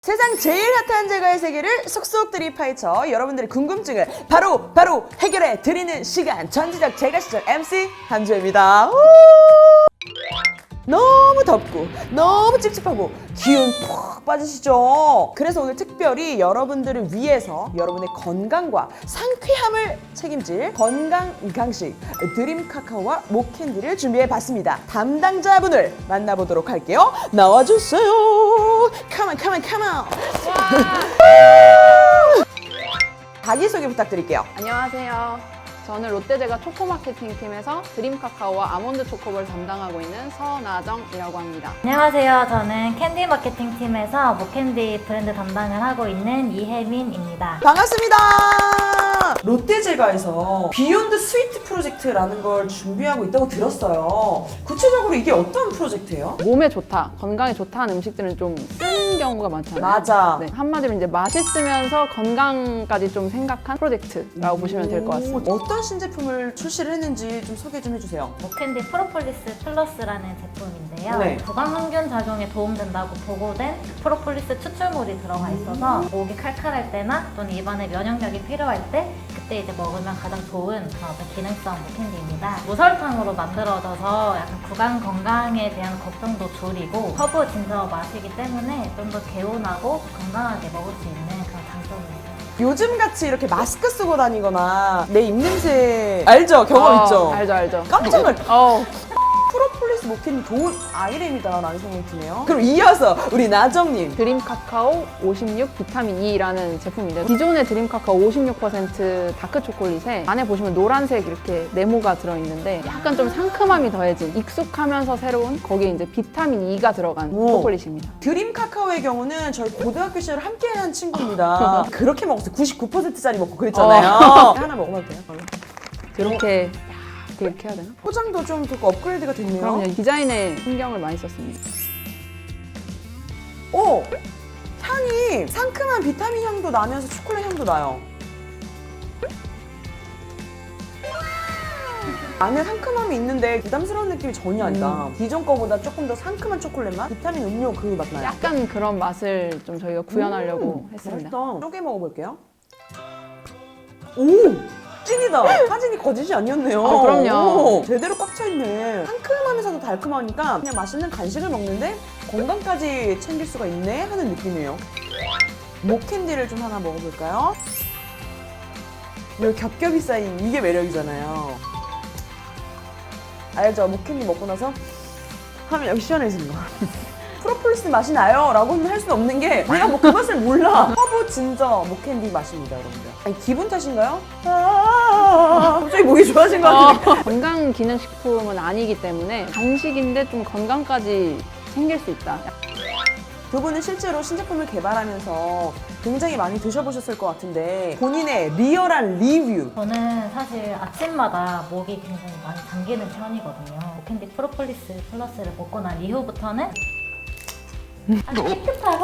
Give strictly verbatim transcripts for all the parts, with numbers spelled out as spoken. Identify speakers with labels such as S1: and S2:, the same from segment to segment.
S1: 세상 제일 핫한 제과의 세계를 속속들이 파헤쳐 여러분들의 궁금증을 바로 바로 해결해 드리는 시간, 전지적 제과 시절 엠씨 한주입니다. 너무 덥고 너무 찝찝하고 기운 푹 빠지시죠? 그래서 오늘 특별히 여러분들을 위해서 여러분의 건강과 상쾌함을 책임질 건강 간식 드림 카카오와 목캔디를 준비해봤습니다. 담당자분을 만나보도록 할게요. 나와주세요. 컴온 컴온 컴온. 자기소개 부탁드릴게요.
S2: 안녕하세요. 저는 롯데제과 초코마케팅 팀에서 드림카카오와 아몬드 초코볼 담당하고 있는 서나정이라고 합니다.
S3: 안녕하세요. 저는 캔디 마케팅 팀에서 모캔디 브랜드 담당을 하고 있는 이혜민입니다.
S1: 반갑습니다. 롯데제과에서 비욘드 스위트 프로젝트라는 걸 준비하고 있다고 들었어요. 구체적으로 이게 어떤 프로젝트예요?
S2: 몸에 좋다, 건강에 좋다는 음식들은 좀 쓴 경우가 많잖아요.
S1: 맞아.
S2: 네, 한마디로 이제 맛있으면서 건강까지 좀 생각한 프로젝트라고 보시면 될 것 같습니다.
S1: 어떤 신제품을 출시를 했는지 좀 소개 좀 해주세요.
S3: 모캔디 프로폴리스 플러스라는 제품인데요.
S1: 네.
S3: 구강항균 작용에 도움된다고 보고된 프로폴리스 추출물이 들어가 있어서 목이 칼칼할 때나 또는 입안에 면역력이 필요할 때 그때 이제 먹으면 가장 좋은 그런 어떤 기능성 모캔디입니다. 무설탕으로 만들어져서 약간 구강 건강에 대한 걱정도 줄이고 허브 진저 맛이기 때문에 좀 더 개운하고 건강하게 먹을 수 있는 그런 장점이 있어요.
S1: 요즘같이 이렇게 마스크 쓰고 다니거나 내 입냄새 알죠? 경험
S2: 어,
S1: 있죠?
S2: 알죠, 알죠.
S1: 깜짝 놀
S2: 어,
S1: 프로폴리스 모캔디 좋은 아이템이다 라는 생각이 드네요. 그럼 이어서 우리 나정님.
S2: 드림카카오 오십육 비타민 E라는 제품인데 기존의 드림카카오 오십육 퍼센트 다크 초콜릿에 안에 보시면 노란색 이렇게 네모가 들어있는데 약간 좀 상큼함이 더해진 익숙하면서 새로운 거기에 이제 비타민 E가 들어간
S1: 오.
S2: 초콜릿입니다.
S1: 드림 카카오의 경우는 저희 고등학교 시절 함께 한 친구입니다. 그렇게 먹었어요. 구십구 퍼센트짜리 먹고 그랬잖아요. 하나 먹어봐도 돼요?
S2: 이렇게 이렇게 해야 되나?
S1: 포장도 좀 듣고 업그레이드가 됐네요.
S2: 그럼요. 디자인에 신경을 많이 썼습니다.
S1: 오! 향이 상큼한 비타민 향도 나면서 초콜릿 향도 나요. 안에 상큼함이 있는데 부담스러운 느낌이 전혀 아니다.
S2: 음.
S1: 기존 거보다 조금 더 상큼한 초콜릿 맛? 비타민 음료 그 맛 나요.
S2: 약간 그런 맛을 좀 저희가 구현하려고
S1: 음,
S2: 했습니다.
S1: 맛있다. 쪼개 먹어볼게요. 오! 찐이다. 사진이 거짓이 아니었네요.
S2: 아, 그럼요.
S1: 오, 제대로 꽉 차있네. 상큼하면서도 달콤하니까 그냥 맛있는 간식을 먹는데 건강까지 챙길 수가 있네 하는 느낌이에요. 목캔디를 좀 하나 먹어볼까요? 이 겹겹이 쌓인 이게 매력이잖아요. 알죠? 목캔디 먹고 나서 하면 여기 시원해지는 거. 프로폴리스 맛이 나요 라고 할 수는 없는 게 내가 뭐 그 맛을 몰라. 허브 진저 목캔디 맛입니다, 여러분들. 아니, 기분 탓인가요? 아, 갑자기 목이 좋아진 것 같은데.
S2: 어, 건강기능식품은 아니기 때문에 간식인데 좀 건강까지 챙길 수 있다.
S1: 두 분은 실제로 신제품을 개발하면서 굉장히 많이 드셔보셨을 것 같은데 본인의 리얼한 리뷰.
S3: 저는 사실 아침마다 목이 굉장히 많이 잠기는 편이거든요. 모캔디 프로폴리스 플러스를 먹고 난 이후부터는 아주 깨끗하고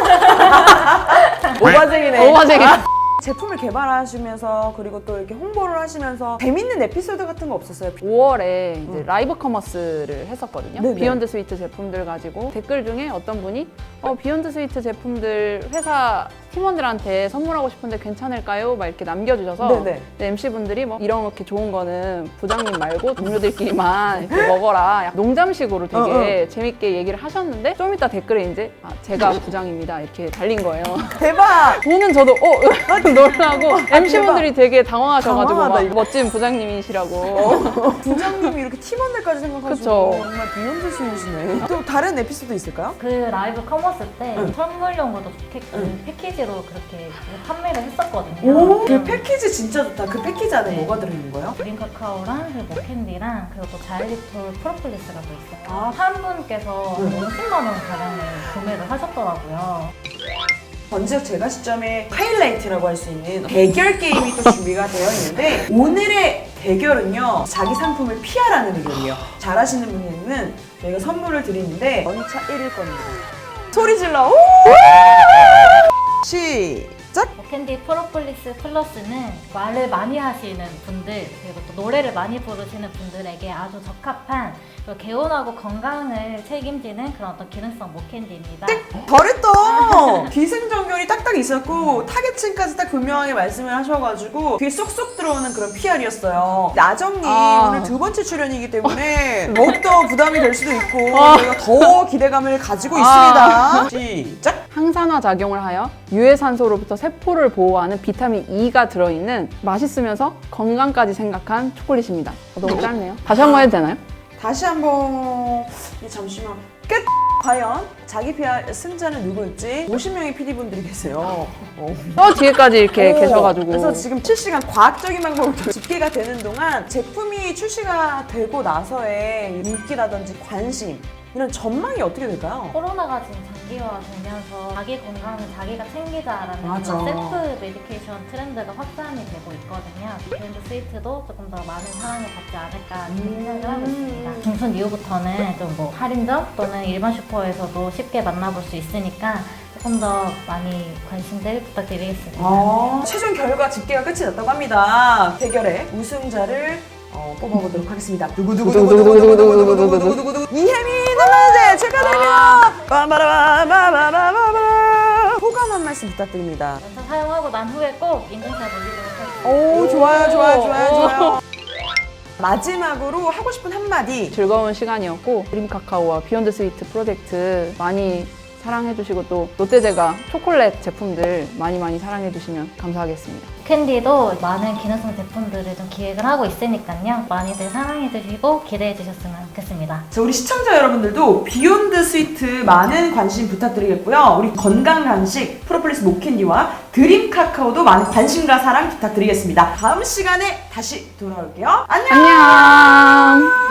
S1: 오바쟁이네.
S2: 오바쟁이.
S1: 제품을 개발하시면서 그리고 또 이렇게 홍보를 하시면서 재밌는 에피소드 같은 거 없었어요?
S2: 오월에 이제
S1: 음.
S2: 라이브 커머스를 했었거든요.
S1: 네네.
S2: 비욘드 스위트 제품들 가지고 댓글 중에 어떤 분이 어, 비욘드 스위트 제품들 회사 팀원들한테 선물하고 싶은데 괜찮을까요? 막 이렇게 남겨주셔서
S1: 네네.
S2: 엠씨분들이 뭐 이렇게 좋은 거는 부장님 말고 동료들끼리만 이렇게 먹어라. 약간 농담식으로 되게
S1: 어,
S2: 재밌게 얘기를 하셨는데 좀 이따 댓글에 이제 아, 제가 부장입니다 이렇게 달린 거예요.
S1: 대박!
S2: 보는 저도 어 놀라고 엠씨분들이 되게 당황하셔가지고
S1: 당황하다,
S2: 막
S1: 이거.
S2: 멋진 부장님이시라고.
S1: 어, 부장님이 이렇게 팀원들까지 생각하시고
S2: 그쵸.
S1: 정말 비욘드 스윗이네. 또 다른 에피소드 있을까요?
S3: 그 라이브 커머스 때
S1: 응.
S3: 선물용으로도 좋게끔
S1: 응.
S3: 패키지로 그렇게 판매를 했었거든요.
S1: 오, 그
S3: 음.
S1: 패키지 진짜 좋다. 그 패키지 안에
S3: 네.
S1: 뭐가 들어있는 거예요?
S3: 드림 카카오랑 그리고 모캔디랑 그리고 또 자일리톨 프로폴리스가 또 있어요.
S1: 아.
S3: 한 분께서
S1: 응.
S3: 오십만 원 가량을 구매를 하셨더라고요.
S1: 전지적 제과 시점의 하이라이트라고 할 수 있는 대결 게임이 또 준비가 되어 있는데 오늘의 대결은요, 자기 상품을 피하라는 의견이에요. 잘하시는 분에게는 저희가 선물을 드리는데 원차 일 일 겁니다. 소리 질러! 오! 시작! 살짝.
S3: 모캔디 프로폴리스 플러스는 말을 많이 하시는 분들 그리고 또 노래를 많이 부르시는 분들에게 아주 적합한 그리고 개운하고 건강을 책임지는 그런 어떤 기능성 모캔디입니다.
S1: 잘했다. 기승전결이 딱딱 있었고 타겟층까지 딱 분명하게 말씀을 하셔가지고 귀에 쏙쏙 들어오는 그런 피알이었어요. 나정님
S2: 아.
S1: 오늘 두 번째 출연이기 때문에 더욱더 부담이 될 수도 있고 저희가 더 기대감을 가지고
S2: 아.
S1: 있습니다. 시작.
S2: 항산화 작용을 하여 유해산소로부터 세포를 보호하는 비타민 E가 들어있는 맛있으면서 건강까지 생각한 초콜릿입니다. 어, 너무 짧네요. 다시 한 번 해도 되나요?
S1: 다시 한번 네, 잠시만 끝! 과연 자기 피알 승자는 누구일지 오십 명의 피디분들이 계세요. 어.
S2: 또 뒤에까지 이렇게
S1: 오,
S2: 계셔가지고
S1: 그래서 지금 실시간 과학적인 방법으로 집계가 되는 동안 제품이 출시가 되고 나서의 인기라든지 관심 이런 전망이 어떻게 될까요?
S3: 코로나가 지금 장기화되면서 자기 건강은 자기가 챙기자라는
S1: 맞아.
S3: 그런 셀프 메디케이션 트렌드가 확산이 되고 있거든요. 비욘드 스위트도 조금 더 많은 사랑을 받지 않을까
S1: 음.
S3: 생각을 하고 있습니다. 중순 이후부터는 좀 뭐 할인점 또는 일반 슈퍼에서도 쉽게 만나볼 수 있으니까 조금 더 많이 관심들 부탁드리겠습니다.
S1: 아, 최종 결과 집계가 끝이 났다고 합니다. 대결의 우승자를 어, 뽑아보도록 하겠습니다. 두구두구두구두구두구두구두구두구두구두구두구 이혜민 남자제 축하드립니다. 빠바라바바바바바바 소감 한 말씀 부탁드립니다.
S3: 연차 사용하고 난 후에 꼭 인증샷 올리도록 하겠습니다.
S1: 오 좋아요 좋아요 좋아요
S2: 오.
S1: 좋아요. 마지막으로 하고 싶은 한마디.
S2: 즐거운 시간이었고 드림 카카오와 비욘드 스위트 프로젝트 많이 사랑해주시고 또 롯데제과 초콜릿 제품들 많이 많이 사랑해주시면 감사하겠습니다.
S3: 캔디도 많은 기능성 제품들을 좀 기획을 하고 있으니까요. 많이들 사랑해주시고 기대해주셨으면 좋겠습니다.
S1: 자, 우리 시청자 여러분들도 비욘드 스위트 많은 관심 부탁드리겠고요. 우리 건강 간식 프로폴리스 모캔디와 드림 카카오도 많은 관심과 사랑 부탁드리겠습니다. 다음 시간에 다시 돌아올게요. 안녕!
S2: 안녕!